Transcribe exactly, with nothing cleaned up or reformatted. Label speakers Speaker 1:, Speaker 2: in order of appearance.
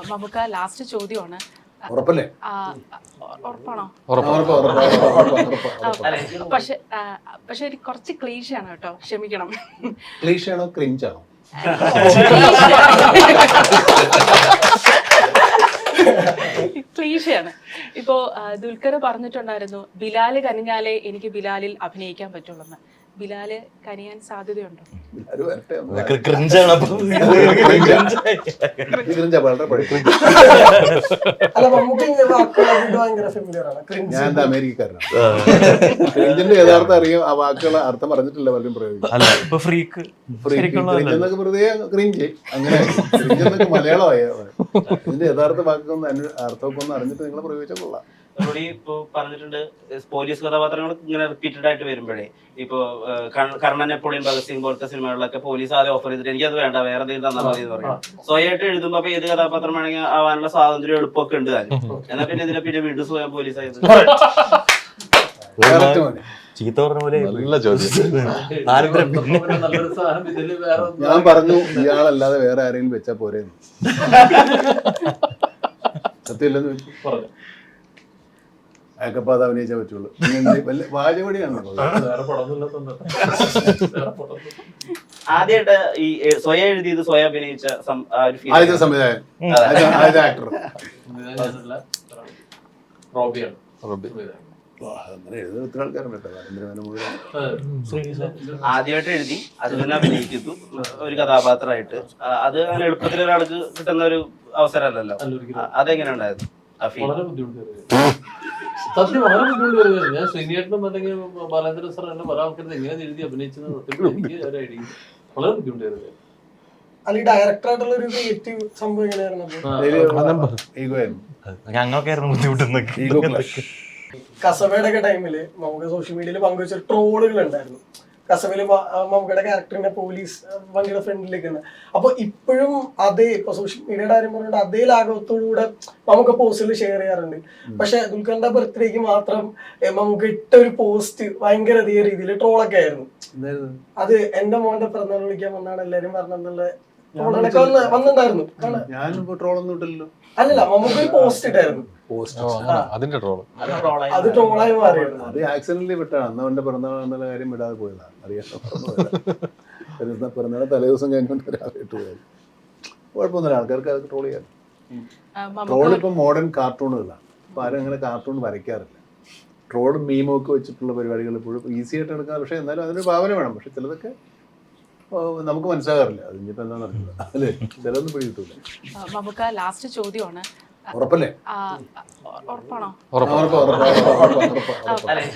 Speaker 1: നമുക്ക് ലാസ്റ്റ് ചോദ്യമാണ്.
Speaker 2: ഉറപ്പല്ലേ?
Speaker 1: ഉറപ്പാണോ?
Speaker 2: ഉറപ്പാണ്.
Speaker 1: പക്ഷെ പക്ഷെ എനിക്ക് കുറച്ച് ക്ലീശയാണ് കേട്ടോ, ക്ഷമിക്കണം.
Speaker 2: ക്ലീശയാണോ ക്രിഞ്ചാണോ?
Speaker 1: ക്ലീശയാണ്. ഇപ്പോ ദുൽഖർ പറഞ്ഞിട്ടുണ്ടായിരുന്നു ബിലാല് കനിഞ്ഞാലേ എനിക്ക് ബിലാലിൽ അഭിനയിക്കാൻ പറ്റുള്ളൂ. ബിലാല് കനിയാൻ സാധ്യതയുണ്ടോ?
Speaker 2: ഞാൻ എന്താ അമേരിക്കക്കാരനാണ്. ക്രിഞ്ചിന്റെ യഥാർത്ഥം അറിയാം, ആ വാക്കുകൾ അർത്ഥം പറഞ്ഞിട്ടില്ല പലരും പ്രയോഗിക്കും. ക്രിഞ്ചെന്നൊക്കെ വെറുതെ ക്രിഞ്ച് അങ്ങനെ ക്രിഞ്ചെന്നൊക്കെ മലയാളമായ ഇതിന്റെ യഥാർത്ഥ വാക്കൊന്നും അർത്ഥമൊക്കെ ഒന്ന് അറിഞ്ഞിട്ട് നിങ്ങൾ പ്രയോഗിച്ചാൽ കൊള്ളാം.
Speaker 3: ഇപ്പൊ പറഞ്ഞിട്ടുണ്ട് പോലീസ് കഥാപാത്രങ്ങൾ ഇങ്ങനെ റിപ്പീറ്റഡ് ആയിട്ട് വരുമ്പോഴേ ഇപ്പൊ കർണൻ, നെപ്പോളിയൻ, ഭഗത് സിംഗ് പോലത്തെ സിനിമകളിലൊക്കെ പോലീസ് ആദ്യം ഓഫർ ചെയ്തിട്ട് എനിക്കത് വേണ്ട, വേറെ എന്തെങ്കിലും തന്നാൽ മതി എന്ന് പറയും. സ്വയമായിട്ട് എഴുതുമ്പോ അപ്പൊ ഏത് കഥാപാത്രം വേണമെങ്കിൽ ആവാനുള്ള സ്വാതന്ത്ര്യം എളുപ്പമൊക്കെ ഉണ്ട് താനും. എന്നാൽ പിന്നെ ഇതിനെ പിന്നെ വീണ്ടും സ്വയം പോലീസ് ആയത്.
Speaker 4: ചീത്ത പറഞ്ഞ പോലെ
Speaker 2: ഞാൻ പറഞ്ഞു ഇയാളല്ലാതെ വേറെ ആരെങ്കിലും വെച്ചാ പോരെ. സത്യമില്ലെന്ന് വെച്ചു അയക്കപ്പാത അഭിനയിച്ചാൽ പറ്റുള്ളൂ. വാചപടിയാണ്.
Speaker 3: ആദ്യമായിട്ട് ഈ സ്വയം എഴുതിയത് സ്വയം അഭിനയിച്ച
Speaker 2: ആദ്യത്തെ സംവിധായകൻ, ആദ്യത്തെ ആക്ടർ അങ്ങനെ എഴുതുന്ന ഒത്തിരി ആൾക്കാരുണ്ട് കേട്ടോ. നരേന്ദ്രമേനോൻ മുഴുവൻ
Speaker 3: ആദ്യമായിട്ട് എഴുതി അത് തന്നെ അഭിനയിക്കുന്നു ഒരു കഥാപാത്രമായിട്ട്. അത് അങ്ങനെ എളുപ്പത്തിൽ ഒരാൾക്ക് കിട്ടുന്ന ഒരു അവസരമല്ലല്ലോ. അതെങ്ങനെ ഉണ്ടായിരുന്നു?
Speaker 5: സത്യം വളരെ ബുദ്ധിമുട്ട് വരുന്നത്. ഞാൻ ശ്രീനിയേട്ടനും അല്ലെങ്കിൽ ബാലേന്ദ്രൻ സാർ എന്നെ പല ആൾക്കാരും എങ്ങനെ എഴുതി അഭിനയിച്ചത് എനിക്ക് ഒരു ഐഡിയ വളരെ ബുദ്ധിമുട്ട് വരുന്നത്.
Speaker 6: അല്ല, ഡയറക്ടറായിട്ടുള്ള ഒരു ക്രിയേറ്റീവ് സംഭവം എങ്ങനെയായിരുന്നു?
Speaker 4: ഞങ്ങൾക്കായിരുന്നു ബുദ്ധിമുട്ടുന്നൊക്കെ.
Speaker 6: കസബയുടെ ഒക്കെ ടൈമില് നമുക്ക് സോഷ്യൽ മീഡിയയിൽ പങ്കുവെച്ച ട്രോളുകൾ ഉണ്ടായിരുന്നു. കസബയില് മമ്മൂക്കയുടെ ക്യാരക്ടറിന്റെ പോലീസ് വണ്ടിയുടെ ഫ്രണ്ടിലേക്ക് തന്നെ. അപ്പൊ ഇപ്പോഴും അതേ ഇപ്പൊ സോഷ്യൽ മീഡിയയുടെ കാര്യം പറഞ്ഞിട്ട് അതേ ലാഘവത്തോടുകൂടെ നമുക്ക് പോസ്റ്റുകൾ ഷെയർ ചെയ്യാറുണ്ട്. പക്ഷെ ദുൽഖറിന്റെ ബർത്ത്ഡേക്ക് മാത്രം നമുക്ക് ഇട്ട ഒരു പോസ്റ്റ് ഭയങ്കര അധിക രീതിയിൽ ട്രോളൊക്കെ ആയിരുന്നു. അത് എന്റെ മോന്റെ പിറന്നാൾ വിളിക്കാൻ വന്നാണ് എല്ലാരും പറഞ്ഞെന്നുള്ള ട്രോളൊക്കെ വന്നിട്ടുണ്ടായിരുന്നു. അല്ലല്ല, നമുക്ക് ഒരു പോസ്റ്റ് ഇട്ടായിരുന്നു.
Speaker 4: അതിന്റെ ട്രോള്
Speaker 6: അത് ട്രോളായി മാറിയിരുന്നു.
Speaker 2: അത് ആക്സിഡന്റലി വിട്ടാണ്. അന്ന് അവന്റെ പിറന്നാൾ എന്നുള്ള കാര്യം വിടാതെ പോയതാണ്. അറിയാം, പിറന്നാൾ തലേ ദിവസം കഴിഞ്ഞുകൊണ്ട് രാവിലെ പോയത്. കുഴപ്പമൊന്നുമില്ല, ആൾക്കാർക്ക് അത് ട്രോൾ ചെയ്യാം. ട്രോൾ ഇപ്പം മോഡേൺ കാർട്ടൂണുകളാണ്. ഇപ്പം ആരും അങ്ങനെ കാർട്ടൂൺ വരയ്ക്കാറില്ല. ട്രോളും മീമും ഒക്കെ വെച്ചിട്ടുള്ള പരിപാടികൾ ഇപ്പോഴും ഈസി ആയിട്ട് എടുക്കാം. പക്ഷേ എന്നാലും അതിനൊരു ഭാവന വേണം. പക്ഷെ ചിലതൊക്കെ നമുക്ക് മനസ്സിലാകാറില്ല. അതിനിപ്പോൾ എന്താണെന്ന് അറിയില്ല, അല്ലേ? ചിലതൊന്നും പിടി കിട്ടൂല.
Speaker 1: നമുക്ക് ലാസ്റ്റ് ചോദ്യമാണ്.
Speaker 2: ഉറപ്പല്ലേ?
Speaker 1: ഉറപ്പാണോ?
Speaker 2: ഉറപ്പ് ഉറപ്പ് ഉറപ്പ് ഉറപ്പ്.